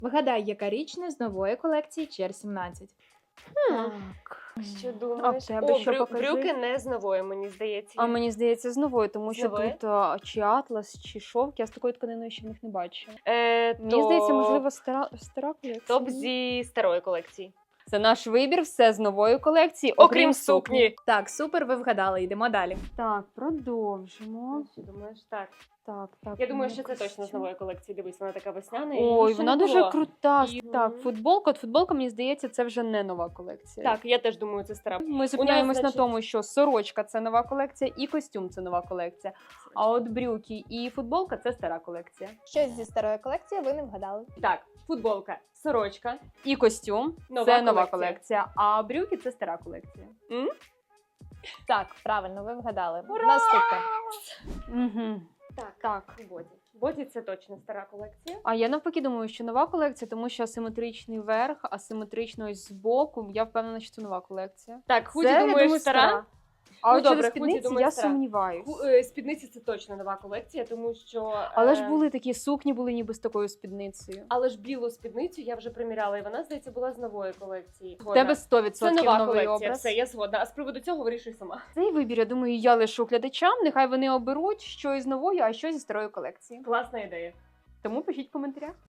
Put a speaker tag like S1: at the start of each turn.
S1: Вгадай, яка річ не з нової колекції Чер 17.
S2: Так.
S3: Що думаєш?
S2: тебе що, покажи?
S3: брюки не з нової, мені здається.
S2: А мені здається, з новою, тому
S3: З
S2: що
S3: нової?
S2: тут чи атлас, чи шовк. Я з такою тканиною ще в них не бачила. Мені
S3: То
S2: здається, можливо, стара колекція.
S3: топ зі старої колекції.
S2: Це наш вибір, все з нової колекції,
S3: Окрім сукні.
S1: Так, супер, ви вгадали, йдемо далі.
S2: Так, продовжимо.
S3: Що думаєш? Так.
S2: Так.
S3: Я думаю, що це
S2: костюм.
S3: точно з нової колекції. Дивись, вона така весняна.
S2: Ой,
S3: її ще
S2: вона
S3: не
S2: дуже
S3: було.
S2: крута.
S3: І-
S2: Так, футболка. От футболка, мені здається, це вже не нова колекція.
S3: Так, я теж думаю, це стара.
S2: Ми зупиняємось
S3: значить-
S2: на тому, що сорочка це нова колекція і костюм це нова колекція. А от брюки і футболка це стара колекція.
S1: Щось зі старої колекції ви не вгадали.
S3: Так, футболка, сорочка.
S2: І костюм це нова колекція, а брюки це стара колекція.
S1: Так, правильно, ви вгадали.
S3: Ура!
S1: Наступне.
S2: Угу.
S3: Так. Боді. Боді це точно стара колекція.
S2: А я навпаки думаю, що нова колекція, тому що асиметричний верх, асиметрично ось збоку. Я впевнена, що це нова колекція.
S3: Так, худі,
S2: Це, я
S3: думаєш,
S2: думаю,
S3: стара?
S2: А
S3: Ну,
S2: от
S3: добре,
S2: через
S3: худі,
S2: спідниці
S3: думаю,
S2: я
S3: стара.
S2: сумніваюсь.
S3: Спідниці це точно нова колекція, тому що...
S2: Але ж були такі сукні, були ніби з такою спідницею.
S3: Але ж білу спідницю я вже приміряла, і вона, здається, була з нової колекції.
S2: В тебе 100%
S3: Це нова
S2: новий
S3: колекція,
S2: образ.
S3: все, я згодна. А з приводу цього вирішуй сама.
S2: Цей вибір, я думаю, я лишу глядачам. Нехай вони оберуть, що із нової, а що зі старої колекції.
S3: Класна ідея.
S2: Тому пишіть в коментарях.